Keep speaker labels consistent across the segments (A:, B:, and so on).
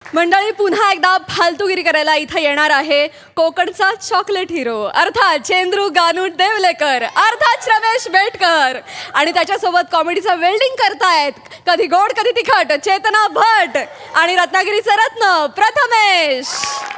A: मंडळी पुन्हा एकदा फालतूगिरी करायला इथं येणार आहे कोकणचा चॉकलेट हिरो अर्थात चेंद्रू गानू देवलेकर अर्थात रमेश बेटकर आणि त्याच्यासोबत कॉमेडीचा वेल्डिंग करतायत कधी गोड कधी तिखट चेतना भट आणि रत्नागिरीचा रत्न प्रथमेश.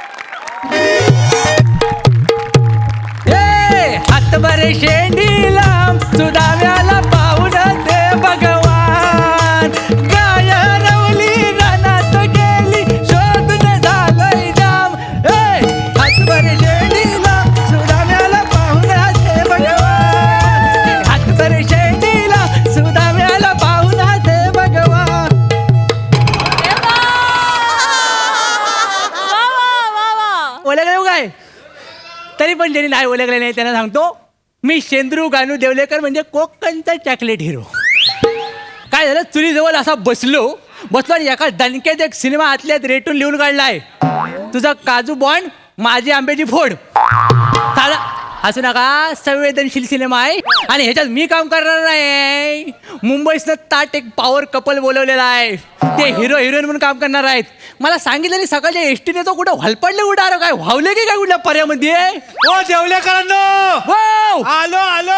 B: हातभरे शेंडीला सुदाव्याला पाहून दे भगवान गाय रवली रानात गेली शोधून झालंय जाम. हातभरे शेंडीला सुदाव्याला पाहून दे भगवान हातभरे शेंडीला सुदाव्याला पाहून दे भगवान. ओळखलं काय तरी पण ज्यांनी नाही ओळखले नाही त्यांना सांगतो मी चेंद्रू गानू देवलेकर म्हणजे कोकणचा चॉकलेट हिरो. काय झालं चुलीजवळ असा बसलो आणि एका दणक्यात एक सिनेमा आतल्यात रेटून लिहून काढलाय तुझा काजू बॉन्ड माझी आंब्याची फोड. चाला असू नका संवेदनशील सिनेमा आहे आणि ह्याच्यात मी काम करणार नाही. मुंबईतनं ताट एक पॉवर कपल बोलवलेला आहे ते हिरो हिरोईन म्हणून काम करणार आहेत. मला सांगितलं सकाळच्या एसटीने तो कुठं हलपडले उडा काय व्हावले की काय कुठल्या पर्यामध्ये
C: ओ देवलेकरांनो आलो आलो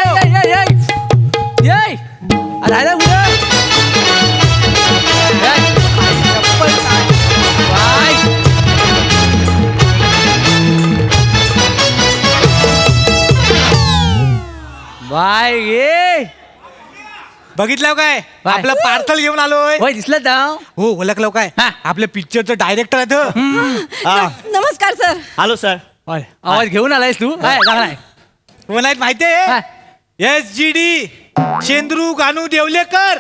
B: बाय ये
C: बघितलं काय
B: बाय.
C: आपलं पार्सल घेऊन आलोय.
B: होय दिसलं का
C: हो ओळखलं काय
B: हा.
C: आपल्या पिक्चरचं डायरेक्टर आहे
A: नमस्कार सर.
D: Hello sir.
B: आवाज घेऊन आलायस तू काय चांगलाय
C: कोण आहेत माहितीये SGD चेंद्रू गानू देवलेकर.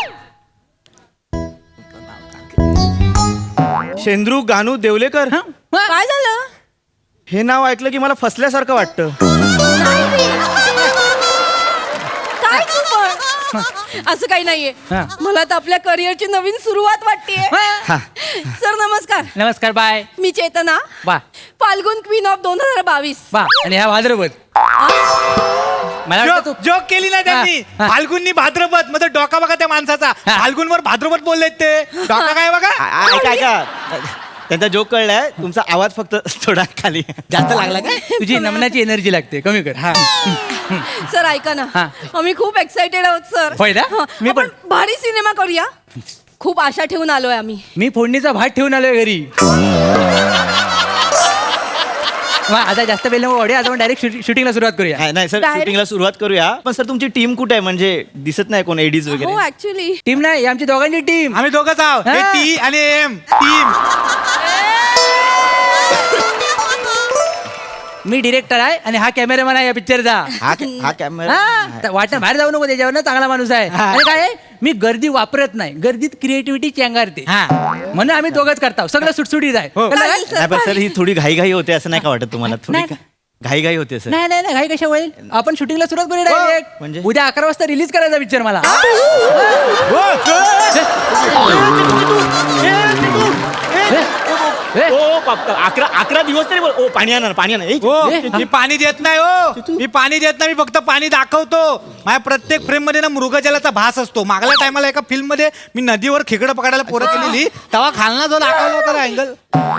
D: शेंद्रू गानू देवलेकर.
A: काय झालं?
D: हे नाव ऐकलं की मला फसल्यासारखं वाटतं.
A: काय तू पण असं काही नाहीये
B: हा.
A: मला तर आपल्या करिअरची नवीन सुरुवात वाटतेय. सर नमस्कार.
B: नमस्कार बाय
A: मी चेतना
B: बा
A: फाल्गुन क्वीन ऑफ 2022.
B: बा आणि ह्या भाद्रपद मला वाटतं तू
C: जोक केली ना त्यांनी
B: हा.
C: फाल्गुननी भाद्रपद मग डोका बघा त्या माणसाचा
B: हा.
C: फाल्गुनवर भाद्रपद बोललेत ते डोका काय बघा.
D: ऐका ऐका त्यांचा जोक कळलाय तुमचा आवाज फक्त थोडा खाली
C: जास्त लागला काय.
B: तुझी नमनाची एनर्जी लागते कमी कर. हा
A: सर ऐका ना
B: हा.
A: आम्ही खूप एक्साइटेड आहोत सर.
B: होय ना? मी
A: आपण
B: पण.
A: भारी सिनेमा करूया. खूप आशा ठेवून आलोय आम्ही.
B: मी फोडणीचा भात ठेवून आलोय घरी. आता जास्त वेळ नको आता आपण डायरेक्ट शूटिंगला सुरुवात करूया.
D: नाही सर
A: Direct-
D: शूटिंगला सुरुवात करूया पण सर तुमची टीम कुठे आहे म्हणजे दिसत नाही कोण एडीज
A: हो
D: वगैरे.
A: ऍक्च्युली
B: टीम नाही आमची दोघांची टीम.
C: आम्ही दोघंच आहोत
B: हा.
C: टी आणि एम टीम.
B: मी डिरेक्टर आहे आणि हा कॅमेरामॅन आहे या पिक्चरचा.
D: हा कॅमेरा
B: वाटणं बाहेर जाऊ नको त्याच्यावर चांगला माणूस आहे. आणि काय आहे, मी गर्दी वापरत नाही गर्दीत क्रिएटिव्हिटी चेंगारते म्हणून आम्ही दोघंच करतो सगळं सुटसुटीत आहे.
C: हो.
B: कळलं काय?
D: नाही पण सर ही थोडी घाई होते असं नाही का वाटत तुम्हाला थोडी
B: नाही.
D: घाई होते सर.
B: नाही नाही नाही घाई कशा होईल आपण शूटिंगला सुरुवात करू डायरेक्ट.
D: म्हणजे?
B: उद्या 11 वाजता रिलीज करायचा पिक्चर मला.
D: ओ 11 दिवस तरी ओ पाणी आणा
C: हो मी पाणी देत नाही हो मी पाणी देत नाही मी फक्त पाणी दाखवतो. माझ्या प्रत्येक फ्रेम मध्ये ना मृगजलाचा भास असतो. मागल्या टायमाला एका फिल्म मध्ये मी नदीवर खेकडं पकडायला पोरं केलेली तेव्हा खालना जो दाखवला होता अँगल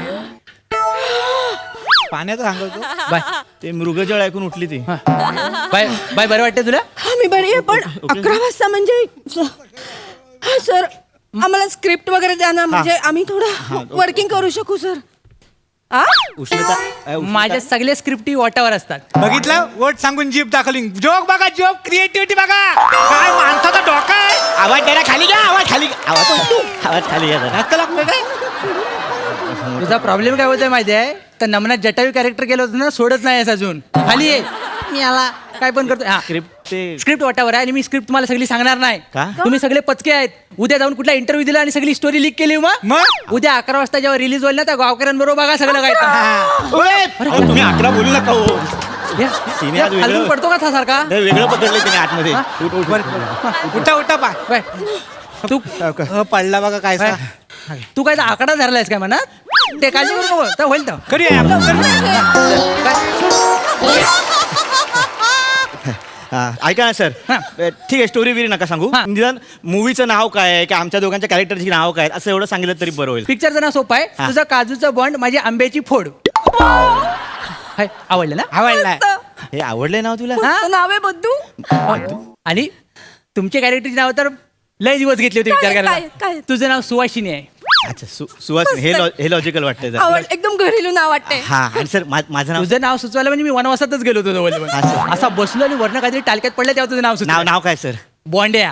C: पाण्याचा सांगतो.
B: बाय
D: ते मृगजळ ऐकून उठली ती.
B: बाय बाय बरं वाटतं तुला.
A: आम्ही बरी आहे पण 11 वाजता म्हणजे सर आम्हाला स्क्रिप्ट वगैरे द्या ना म्हणजे आम्ही थोडं वर्किंग करू शकू सर.
D: उष्णता
B: माझ्या सगळ्या स्क्रिप्टी वाटावर असतात.
C: बघितलं वोट सांगून जीप दाखवली. जोक बघा जोक क्रिएटिव्हिटी बघा काय माणसाचा डोका आहे.
D: आवाज द्यायला खाली घ्या आवाज खाली आवाज खाली घ्या जरा.
C: जास्त लागतोय काय.
B: तुझा प्रॉब्लेम काय होतोय माहिती आहे तर नमनात जटावी कॅरेक्टर केलं होतं ना सोडत नाही अजून खाली आहे. मी आला काय पण करतो.
D: स्क्रिप्ट ते
B: स्क्रिप्ट वाटावर आहे आणि मी स्क्रिप्ट तुम्हाला सगळी सांगणार नाही.
D: का?
B: तुम्ही सगळे पचके आहेत. उद्या जाऊन कुठला इंटरव्ह्यू दिला आणि सगळी स्टोरी लीक केली मग उद्या 11 वाजता जेव्हा रिलीज होईल ना त्या गावकऱ्यांबरोबर बघा सगळं काय.
D: अहो, तुम्ही 11 बोलू नका हो. तिने आज वेगळं-
B: हलवून पडतो का था सारखा.
D: नाही, वेगळं पकडलंय तिने आतमध्ये.
C: उठा उठा पाय
B: बाय. तू
C: पडला बघा काय सा.
B: तू काय आकडा धरलायस काय म्हणत ते काळजी करू नको तर होईल तर.
C: करूया आपण.
D: हा, ऐका ना सर
B: हा.
D: ठीक आहे स्टोरी बिरी नका सांगू
B: हा.
D: निदान मूवीचं नाव काय आहे की आमच्या दोघांच्या कॅरेक्टरची नाव काय आहेत, असं एवढं सांगितलं तरी बरं होईल.
B: पिक्चरचं नाव सोपं आहे
D: हा.
B: तुझं काजूचं बॉन्ड माझी आंब्याची फोड. हाय, आवडलं ना?
C: आवडलाय
D: हे आवडलंय नाव तुला
A: मस्त नाव आहे बद्दू.
B: आणि तुमच्या कॅरेक्टरची नाव तर लय दिवस घेतले होते विचार
A: काय-
B: करायला.
A: काय?
B: तुझं नाव सुवासिनी आहे.
D: अच्छा सुहास हे लॉजिकल वाटतंय जरा.
A: आवड एकदम घरेलू नाव वाटते.
D: हा आणि सर माझं नाव
B: तुझं नाव सुचवायला म्हणजे मी वनवासातच गेलो होतो जवळ
D: असं.
B: असा बसलो आणि वर्ण काहीतरी टालक्यात पडलं तेव्हा तुझं नाव
D: नाव
B: सुचलं.
D: नाव काय सर
B: बॉन्ड्या.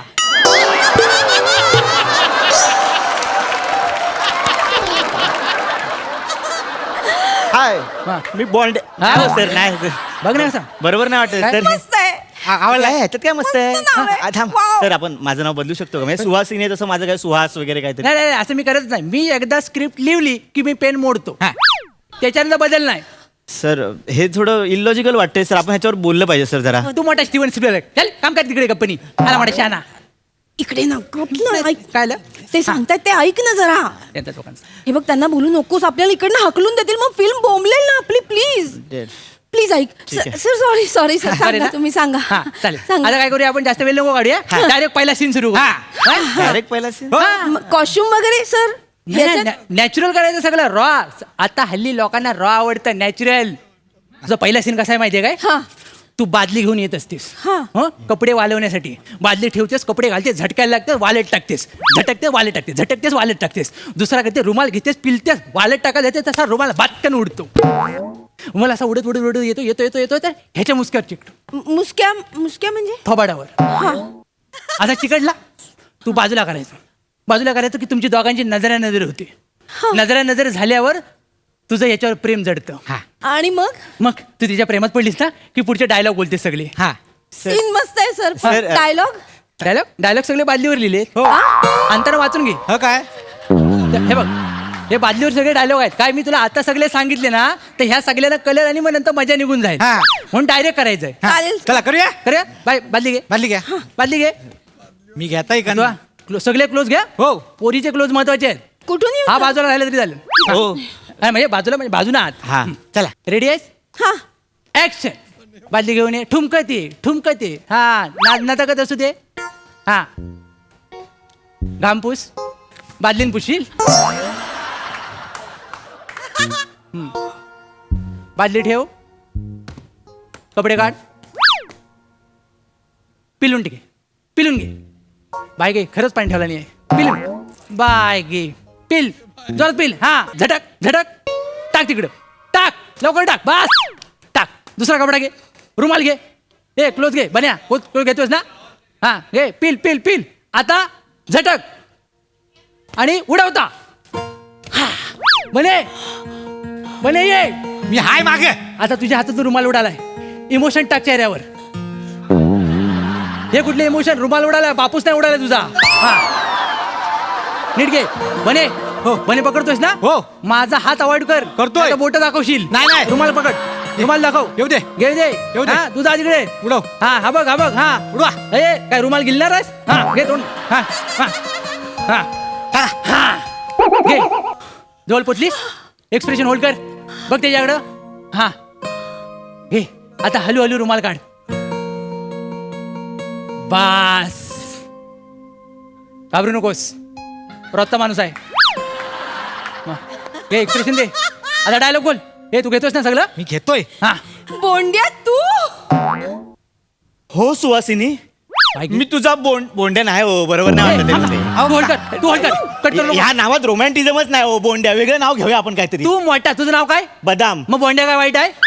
D: हाय
B: हा.
D: मी बॉन्ड
B: हा.
D: सर नाही sir.
B: बघ ना कसं.
D: बरोबर नाही वाटत
B: काय?
D: सर
A: मस्त आहे.
D: आवडलाय ह्याच्यात काय मस्त आहे
A: मस्त नाव आहे.
D: हा, थांब
A: Wow.
D: सर आपण माझं नाव बदलू शकतो का म्हणजे सुहासिनी आहे तसं माझं काय सुहास वगैरे काहीतरी
B: नाही नाही असं मी करत नाही. मी एकदा स्क्रिप्ट लिहिली की मी पेन मोडतो. त्याच्यानंतर बदल नाही.
D: सर हे थोडं इलॉजिकल वाटतंय सर आपण ह्याच्यावर बोललं पाहिजे सर जरा
B: तू मोठा स्टीवन स्पिलबर्ग चल काम कर तिकडे कंपनी. आला मोठा शहाणा.
A: इकडे ना गप ना, ऐक.
B: काय आलं?
A: ते सांगतायत ते ऐक ना जरा.
B: त्यांच्या लोकांचं.
A: हे बघ त्यांना बोलू नकोस आपल्याला इकडनं हकलून देतील मग फिल्म बोंबलेल ना आपली. प्लीज प्लीज ऐक.
D: आहे.
A: सर सॉरी सॉरी सर
B: अरे
A: सांगा
B: ना?
A: तुम्ही सांगा.
B: हा, चालेल
A: सांगा.
B: आता काय करूया आपण जास्त वेळ नको काढूया डायरेक्ट पहिला सीन सुरू
D: डायरेक्ट पहिला scene?
A: कॉस्ट्युम वगैरे सर
B: नॅचरल करायचं सगळं रॉ. आता हल्ली लोकांना रॉ आवडतं नॅचरल. तुझा पहिला सीन कसा आहे माहितीये काय
A: हा
B: तू बादली घेऊन येत असतेस
A: हा.
B: हं? कपडे वालवण्यासाठी बादली ठेवतेस कपडे घालतेस झटकायला लागते वालेट टाकतेस झटकतेस वालेट टाकतेस झटकतेस वालेट टाकतेस दुसरा करते रुमाल घेतेस पिलतेस वालेट टाकायला येते तसा रुमाल बाटकन उडतो. मला असा उडत उडत उडत येतो येतो येतो येतो तर ह्याच्या मुसक्यावर चिकटो
A: मुसक्या मुसक्या म्हणजे
B: थोबाडावर.
A: हा
B: असा चिकटला तू बाजूला करायचं की तुमची दोघांची नजर होती. नजर झाल्यावर तुझं याच्यावर प्रेम जडतं.
A: आणि मग
B: मग तू तिच्या प्रेमात पडलीस ना की पुढचे डायलॉग बोलतेस सगळे. हा
A: सीन मस्त आहे सर
D: Sir,
A: डायलॉग
B: डायलॉग सगळे बादलीवर लिहिले.
C: हो
B: अंतर वाचून घे.
C: ह काय
B: हे बघ हे बादलीवर सगळे डायलॉग आहेत. काय मी तुला आता सगळे सांगितले ना तर ह्या सगळ्याला कलर आणि मग नंतर मजा निघून जाईल.
C: हा.
B: म्हणून डायरेक्ट करायचंय.
A: चालेल
C: चला करूया
B: करूया बादली घे
C: बादली घ्या
B: बादली घे.
C: मी घेताय का
B: तुला सगळे क्लोज घ्या.
C: हो.
B: पोरीचे क्लोज महत्वाचे आहेत.
A: कुठून येऊ
B: हा बाजूला राहिला तरी झालं.
D: हो
B: नाही, म्हणजे बाजूला म्हणजे बाजूना आत.
D: हा
C: चला
B: रेडी आहेस
A: हा
B: ऍक्शन. बादली घेऊन ये ठुमकते हा नाटकत असू दे. हा घामपूस बादलीन पुशील. बादली ठेव कपडे काढ पिलून घे बाय गे खरंच पाणी ठेवला नाही पिलून बाय गे पिल जोरात पिल. हा झटक टाक तिकडं टाक लवकर टाक बस टाक. दुसरा कपडा घे रुमाल घे ए क्लोज घे बन्या क्लोज घेतोस ना. हा घे पिल आता झटक आणि उडवता. हा बने ये.
C: मी हाय मागे
B: आता तुझ्या हातातून रुमाल उडालाय. इमोशन टाक चेहऱ्यावर. हे कुठले इमोशन रुमाल उडालाय बापूस नाही उडालाय तुझा. हा नीट घे बने.
C: हो.
B: बने पकडतोयस ना
C: हो.
B: माझा हात अवॉइड कर.
C: करतोय.
B: बोट दाखवशील.
C: नाही.
B: रुमाल पकड रुमाल दाखव.
C: येऊ दे.
B: घे दे
C: येऊ दे.
B: हा, तुझा तिकडे
C: उडव.
B: हा बघ हा
C: उडवा.
B: ए काय रुमाल गिलणार आहेस. हा घे तोंड. हा घे जवळ पोचलीस एक्सप्रेशन होल्ड कर. बघ त्याच्याकडं. हा घे आता हलू रुमाल काढ. बास घाबरू नकोस रोजचा माणूस आहे. घे एक्सप्रेशन दे. आता डायलॉग बोल. हे तू घेतोस ना सगळं.
C: मी घेतोय
B: हा
A: बोंड्या तू
D: हो सुहासिनी मी तुझा बोंड्या नाही हो बरोबर नाही वाटत आहे मला
B: तू होल्ड कर तू होल्ड कर कट
D: ते.
B: करू नको.
D: ह्या नावात रोमॅन्टिझमच नाही हो बोंड्या वेगळं नाव घेऊया आपण काहीतरी
B: तू मोठा तुझं नाव काय
D: बदाम
B: मग बोंड्या काय वाईट आहे.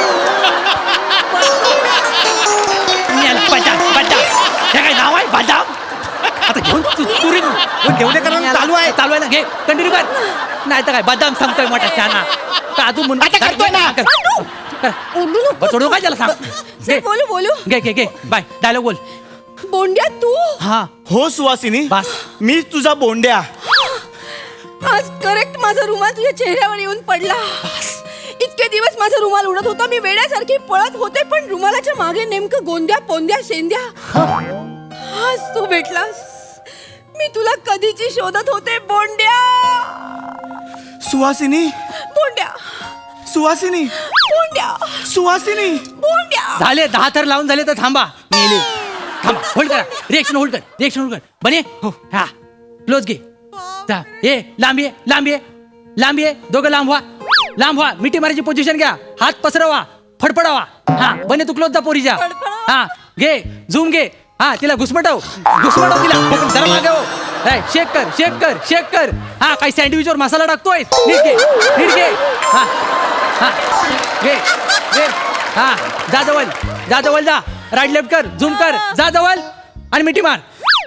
B: हे काय नाव आहे बदाम. आता घेऊन
C: देवलेकर चालू आहे
B: चालू आहे ना घे कंटिन्यू कर. नाही तर काय बदाम सांगतोय मोठा शहाणा का तू
C: करतोय ना.
A: ओरडू नको
B: सोडू काय त्याला सांग.
A: सर बोलू
B: घे बाय डायलॉग बोल.
A: बोंड्या तू
B: हा
D: हो सुहासिनी
B: बस.
D: मी तुझा बोंड्या
A: आज करेक्ट माझा रुमाल तुझ्या चेहऱ्यावर येऊन पडला. इतके दिवस माझा रुमाल उडत होता मी वेड्यासारखी पळत होते पण रुमालाच्या मागे नेमकं गोंद्या पोंद्या शेंद्या. आज तू भेटलास. मी तुला कधीची शोधत होते बोंड्या
D: सुहासिनी
A: बोंड्या
D: सुहासिनी
A: बोंड्या
D: सुहासिनी
A: बोंड्या.
B: झाले 10 थर लावून झाले तर थांबा. मेले थांबा होल्ड करा रिएक्शन होल्ड कर बने हो हा क्लोज घे जा ए लांब ये दोघं लांब व्हा मिठी मारायची पोझिशन घ्या हात पसरवा फडफडावा हा बने तू क्लोज जा पोरीच्या हा घे झूम घे हा तिला घुसमटव तिला जरा मागे हो शेक कर हा काही सँडविचवर मसाला टाकतोय नीट घे हा घे हा जा जवळ जा राईट लेफ्ट कर झूम कर जा जवळ आणि मिठी मार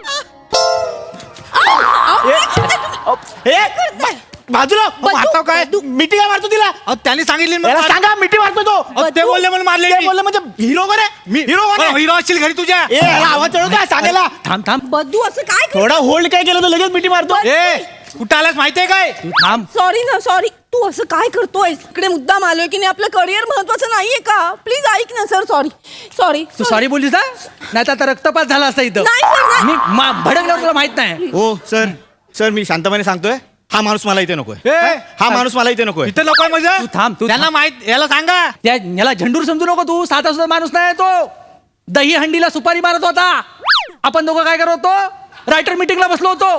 D: बाजूला
C: आता काय
D: मिठी काय मारतो तिला
C: अहो, त्यांनी सांगितले
D: याला सांगा मिठी मारतो तो
C: अहो, ते बोलले म्हणून मारले
D: ते बोलले म्हणजे हिरो कोण आहे
C: हिरो असतील घरी तुझ्या
D: ए याला आवाज चढव काय सांगायला
B: थांब
A: बद्दू असं काय
D: थोडा होल्ड काय केलं तर लगेच मिठी मारतो
C: ए कुठं आलास माहितीये काय
B: तू थांब
A: सॉरी तू असं काय करतोय इकडे मुद्दाम आलोय की नाही आपलं करिअर महत्वाचं नाहीये का प्लीज ऐक ना सर सॉरी
B: तू सॉरी बोललीस ना नाही तर आता रक्तपात झाला असता इथं
A: नाही, sir, नाही.
B: मी भडकल्यावर तुला माहित नाही
D: हो सर मी शांतपणे सांगतोय हा माणूस मला इथे नकोय हा माणूस मला इथे नकोय
C: इथं नको म्हणजे
B: तू थांब, तू
C: त्यांना
B: थांब.
C: माहित याला सांगा
B: त्या याला झंडूर समजू नको तू साधा सुद्धा माणूस नाही तो दही हंडीला सुपारी मारत होता आपण दोघं काय करत होतो रायटर मीटिंगला बसलो होतो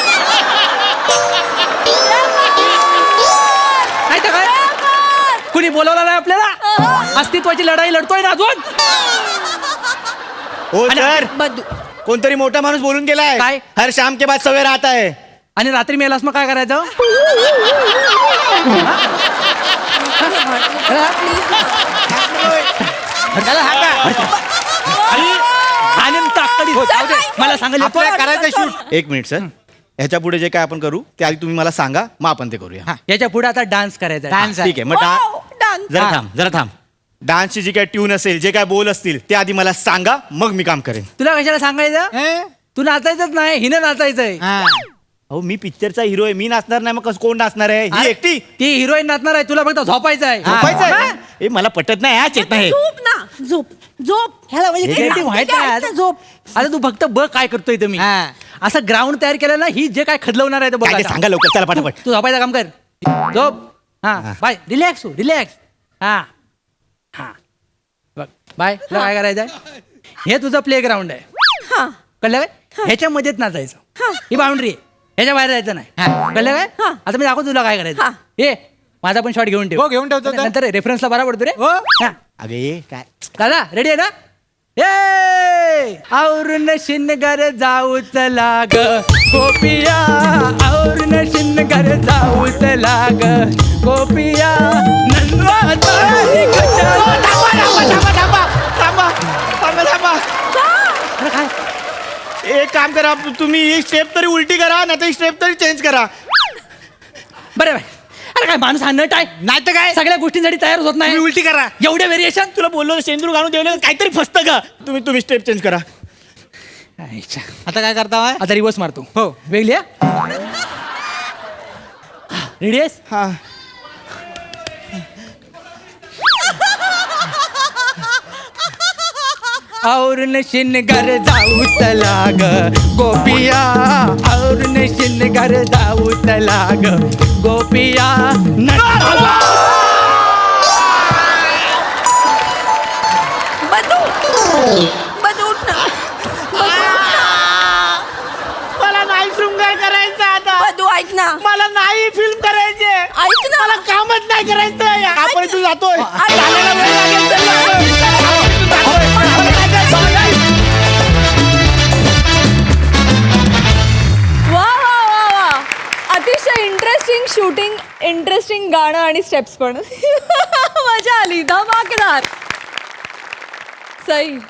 B: नाही तर काय कुणी बोलवलं नाही आपल्याला अस्तित्वाची लढाई लढतोय ना अजून
D: हो सर
A: बद्दू
D: कोणतरी मोठा माणूस बोलून गेलाय
B: काय?
D: हर शाम के बाद सवेर आता है
B: आणि रात्री मेलास मग काय करायचं
C: त्याला हाका.
B: आणि ताकदी जाऊ दे. मला सांगायला
C: आपल्याला करायचं शूट
D: एक मिनिट सर ह्याच्या पुढे जे काय आपण करू ते आधी तुम्ही मला सांगा मग आपण ते करूया
B: याच्या पुढे आता डान्स करायचा आहे.
C: डान्स
D: ठीक आहे मग जरा थांब डान्सची जी काय ट्यून असेल जे काय बोल असतील ते आधी मला सांगा मग मी काम करेन
B: तुला कशाला सांगायचं तू नाचायचंच नाही हिनं नाचायचंय
D: अहो मी पिक्चरचा हिरो आहे मी नाचणार नाही मग कसं कोण नाचणार आहे ही एकटी
B: ती हिरोईन नाचणार आहे तुला फक्त झोपायचं आहे
D: झोपायचं
B: हा?
D: आहे ए मला पटत नाही हा चेत नाही
A: झोप ना झोप ह्याला म्हणजे
B: हे काही माहित नाही आज.
A: झोप
B: आता तू फक्त बघ काय करतोय तुम्ही
C: हा.
B: असं ग्राउंड तयार केलं ना ही जे काय खदलवणार आहे ते बघ
D: काय ते
B: आता.
D: सांगा लवकर चला पटापट
B: तू झोपायचं काम कर झोप हा बाय रिलॅक्स हा हा बघ बाय तुला काय करायचंय हे तुझं प्ले ग्राउंड आहे
A: हा
B: कळलं काय ह्याच्या मध्येच नाचायचं ही बाउंड्री आहे ह्याच्या बाहेर जायचं नाही कळलं काय
A: हा.
B: आता मी दाखवतो तुला काय करायचं
A: हा.
B: ए माझा पण शॉट घेऊन ठेव
C: हो, घेऊन ठेवतो तर.
B: नंतर रेफरन्सला बरा पडतो रे
C: हो.
B: हा.
D: अगे काय
B: दादा रेडी आहे ना ए औरून शिनगर जाऊ चला ग गोपिया औरून शिनगर जाऊ चला ग गोपिया नंदवाताई अरे काय
D: एक काम करा तुम्ही ही स्टेप तरी उलटी करा नाही तर ही स्टेप तरी चेंज करा
B: बरं बाय अरे काय माणूस हा नट आहे
C: नाही तर काय
B: सगळ्या गोष्टींसाठी तयार होत नाही
C: तुम्ही उलटी करा
B: एवढे व्हेरिएशन
D: तुला बोललो शेंदूर घालून ठेवलं काहीतरी फसतं का तुम्ही स्टेप चेंज करा
C: आता काय करता होय?
B: आता रिवर्स मारतो
C: हो
B: वेगळी रेडी आहेस
D: हा
B: और शिनगर जाऊ चला ग गोपिया और शिनगर जाऊ चला ग गोपिया
A: बद्दू उठ ना
D: मला नाही शृंगार करायचं आता
A: बद्दू ऐक ना
D: मला नाही फिल्म करायचे
A: ऐक ना
D: मला कामच नाही करायचं आपण इथून जातोय
A: अरे,
D: चालायला वेळ लागेल, चल ना.
A: वा वा वा वा अतिशय इंटरेस्टिंग शूटिंग इंटरेस्टिंग गाणं आणि स्टेप्स पण मजा आली धमाकेदार सई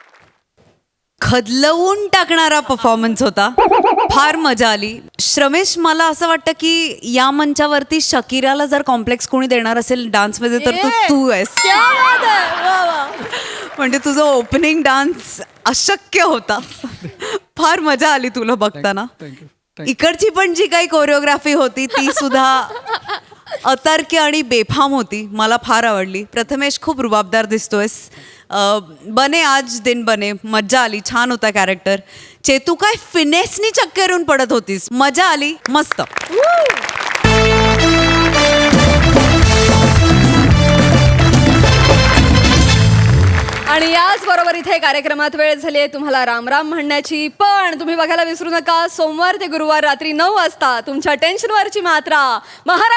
E: खदलवून टाकणारा परफॉर्मन्स होता फार मजा आली श्रमेश मला असं वाटतं की या मंचावरती शकीराला जर कॉम्प्लेक्स कोणी देणार असेल डान्समध्ये तर तू आहेस
A: क्या बात आहे वा वा
E: म्हणजे तुझं ओपनिंग डान्स अशक्य होता फार मजा आली तुला बघताना इकडची पण जी काही कोरिओग्राफी होती ती सुद्धा अतर्क्य आणि बेफाम होती मला फार आवडली प्रथमेश खूप रुबाबदार दिसतोयस बने आज दिन बने मज्जा आली छान होता कॅरेक्टर चेतू काय फिनेसनी चक्करून पडत होतीस मजा आली मस्त
A: आणि याच बरोबर इथे कार्यक्रमात वेळ झाली आहे तुम्हाला राम राम म्हणण्याची. पण तुम्ही बघायला विसरू नका, सोमवार ते गुरुवार रात्री 9 वाजता तुमच्या टेन्शनवरची मात्रा,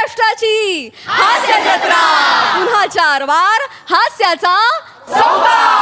A: महाराष्ट्राची हास्य जत्रा. पुन्हा 4 वार हास्याचा संवाद.